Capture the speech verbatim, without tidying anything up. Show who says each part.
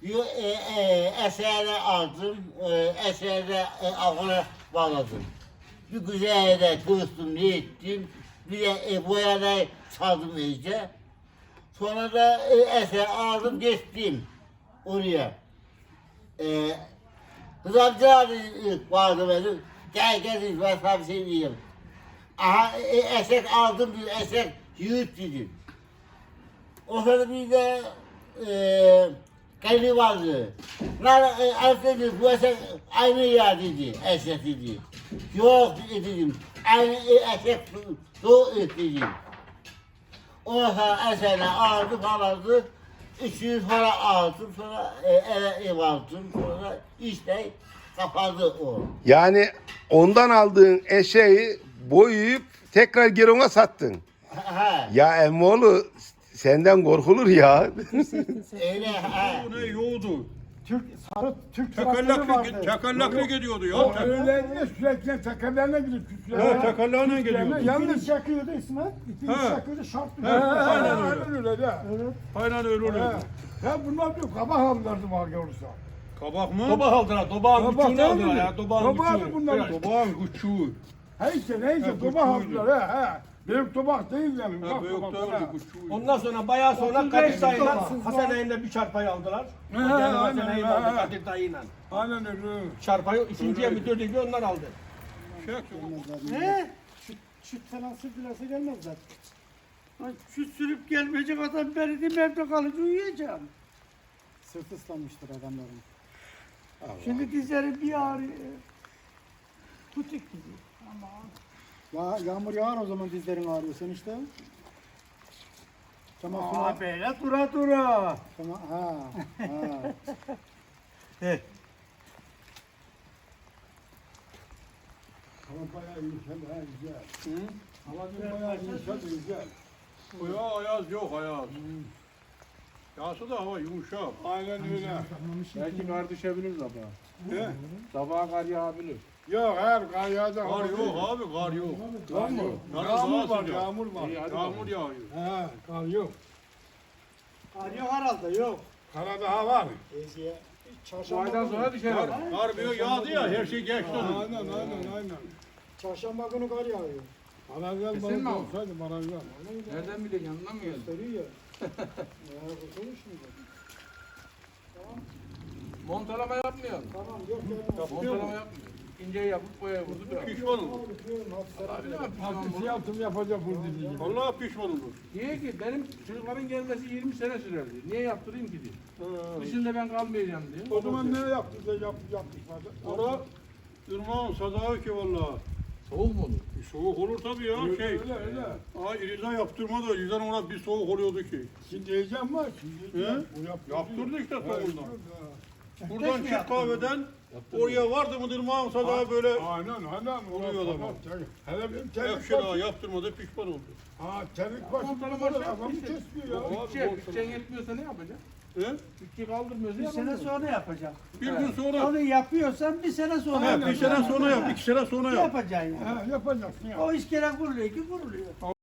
Speaker 1: Yo, e, e, esere aldım, e, esere e, ağına bağladım. Bir güzel de kıvırttım, ne ettim. Bir de e, boyada çaldım iyice. Sonra da e, eser aldım, geçtim oraya. E, Kız amca vardı benim. Gel gel ben sana bir şey diyeyim. Aha e, eser aldım, bir eser yürüt dedim. O sırada bir de e, kendi vardı. Lan e, dedi, bu eser aynı ya dedi, eser dedi. Yok dedim, aynı e, eser doğru dedim. O sırada eserle aldım, aldı. üç yüz para aldım, sonra e, eve ev aldım, sonra işte kapadı o.
Speaker 2: Yani ondan aldığın eşeği boyayıp tekrar geri ona sattın.
Speaker 1: Ha,
Speaker 2: Ya emmoğlu senden korkulur ya.
Speaker 1: öyle ha.
Speaker 3: Bu ne yoğdu?
Speaker 4: Türk sarı Türk traktörü
Speaker 3: Çakallaklı,
Speaker 4: vardı.
Speaker 3: çakallaklı gidiyordu ya.
Speaker 4: O öyle diye sürekli tekerlerine gidip küçüklerine.
Speaker 3: Ha, çakallarına gidiyordu.
Speaker 4: Yalnız
Speaker 5: çakıyordu İsmet. İpini
Speaker 3: Ha.
Speaker 5: çakıyordu şart
Speaker 3: Ha,
Speaker 5: duruyordu.
Speaker 3: aynen öyle.
Speaker 4: Aynen öyle de.
Speaker 5: Evet.
Speaker 3: Aynen öyle
Speaker 4: Ha.
Speaker 3: oluyordu.
Speaker 4: Ya bunlar diyor kabak aldılardı var olursa.
Speaker 3: Kabak mı?
Speaker 6: Dobak aldılar, dobağın
Speaker 4: Kabak
Speaker 6: küçüğünü aldılar ya, dobağın
Speaker 4: Kabak
Speaker 6: küçüğünü.
Speaker 4: bunlar.
Speaker 6: Biraz.
Speaker 3: Dobağın küçüğü.
Speaker 4: Neyse neyse
Speaker 3: Ha,
Speaker 4: kabak
Speaker 3: küçüğüydü.
Speaker 4: aldılar he he. Büyük tabak değil yani.
Speaker 3: Ha,
Speaker 4: ufak
Speaker 3: büyük
Speaker 4: tabak,
Speaker 3: doğru
Speaker 4: ha.
Speaker 3: küçüğü.
Speaker 6: Ondan sonra bayağı sonra
Speaker 5: otuz
Speaker 6: Kadir
Speaker 5: beş
Speaker 6: dayıyla
Speaker 5: dolar.
Speaker 6: Hasan Ağa'yla bir çarpayı aldılar.
Speaker 4: He,
Speaker 6: Kadir
Speaker 4: aynen,
Speaker 6: Hasan Ağa'yı
Speaker 4: he,
Speaker 6: aldı
Speaker 4: he.
Speaker 6: Kadir dayıyla.
Speaker 4: Aynen öyle.
Speaker 6: Çarpayı ikinciye mi dördüncüye onlar aldı.
Speaker 5: Ne? Süt, süt falan sütülası gelmez zaten. Ay, süt sürüp gelmeyecek adam ben dedim evde kalıp uyuyacağım. Sırt ıslanmıştır adamların. Şimdi dizleri bir ağrıyor. Kutik gibi. Aman.
Speaker 7: Ya, yağmur yağar o zaman dizlerin ağrıyor sen işte. Tamam sonra.
Speaker 5: Aa böyle dura dura.
Speaker 7: Tamam ha. ha.
Speaker 4: Hava bayağı yumuşadı ha güzel. Hava dün bayağı yumuşadı güzel.
Speaker 3: O ya ayaz yok ayaz. Yağsa da hava yumuşak.
Speaker 4: Aynen öyle.
Speaker 6: Belki kar düşebilir sabaha.
Speaker 4: He?
Speaker 6: Sabaha kar yağabilir.
Speaker 4: Yok her kar yağacak.
Speaker 3: Kar yok abi kar yok.
Speaker 4: Kar mı?
Speaker 3: Yalnız
Speaker 4: Yağmur
Speaker 3: daha
Speaker 4: var
Speaker 3: sıcak.
Speaker 4: yağmur var.
Speaker 3: Yağmur yağıyor.
Speaker 4: He kar yok.
Speaker 5: Kar yok herhalde yok.
Speaker 4: Kara daha var.
Speaker 6: Bu aydan sonra düşer.
Speaker 3: Kar, kar bir yağdı ya her şey geçti onu.
Speaker 4: Aynen aynen aynen.
Speaker 7: Çarşamba günü kar yağıyor.
Speaker 4: Barajlar
Speaker 6: Kesin mi
Speaker 4: balık
Speaker 6: o?
Speaker 4: olsaydı barajlar.
Speaker 6: Nereden bileceksin, yanından mı geldin?
Speaker 7: Söylüyor ya. Ya kurtulmuş mu?
Speaker 6: Montalama yapmıyorsun.
Speaker 7: Tamam yok gelmez.
Speaker 6: Montalama yapmıyor. İnce yapıp boya vurdu biraz.
Speaker 3: Pişman olur.
Speaker 6: Abi ne yapacağım
Speaker 4: Altı
Speaker 6: bunu?
Speaker 4: yaptım yapacak bu dediği.
Speaker 3: Vallahi pişman olur.
Speaker 6: Niye ki? Benim çocukların gelmesi yirmi sene sürerdi. Niye yaptırayım ki diye. Dışında ben kalmayacağım diye.
Speaker 4: O zaman ne yaptı da yap, yapmışlar.
Speaker 3: Ora ırmağın sadağı ki vallahi.
Speaker 6: Soğuk mu olur?
Speaker 3: Bir soğuk olur tabii ya
Speaker 4: Öyle
Speaker 3: şey.
Speaker 4: öyle öyle.
Speaker 3: Aa İriza yaptırma da İriza'nın ona bir soğuk oluyordu ki.
Speaker 4: Şimdi heyecan var. Şimdi
Speaker 3: He?
Speaker 4: heyecan. Bu yaptırdı.
Speaker 3: Yaptırdı işte
Speaker 4: Ha,
Speaker 3: soğuğundan.
Speaker 4: yaptırdı, ha.
Speaker 3: Buradan çık kahveden oraya vardı mı ırmağın sadağı böyle
Speaker 4: Aynen aynen.
Speaker 3: Oluyor da
Speaker 4: Tamam,
Speaker 3: bak.
Speaker 4: tabii. Hele bir telik
Speaker 3: Ekşi daha
Speaker 4: başı.
Speaker 3: yaptırmadı pişman oldu.
Speaker 4: Ha telik başı.
Speaker 6: Montalama
Speaker 4: Montalama
Speaker 6: şey
Speaker 4: Kafamı
Speaker 6: yapmış.
Speaker 4: kesmiyor ya.
Speaker 6: Bütçe, bütçen yetmiyorsa ne yapacaksın?
Speaker 3: He?
Speaker 6: Bütçe kaldırmıyorsa
Speaker 5: Bir sene
Speaker 6: yapamıyorsun.
Speaker 5: sonra yapacak.
Speaker 3: Bir gün sonra.
Speaker 5: Onu yapıyorsan bir sene sonra
Speaker 3: He, bir sene sonra yap, iki sene sonra yap.
Speaker 5: yapacaksın yani.
Speaker 4: Ha yapacaksın ya.
Speaker 5: O iskele kuruluyor ki kuruluyor.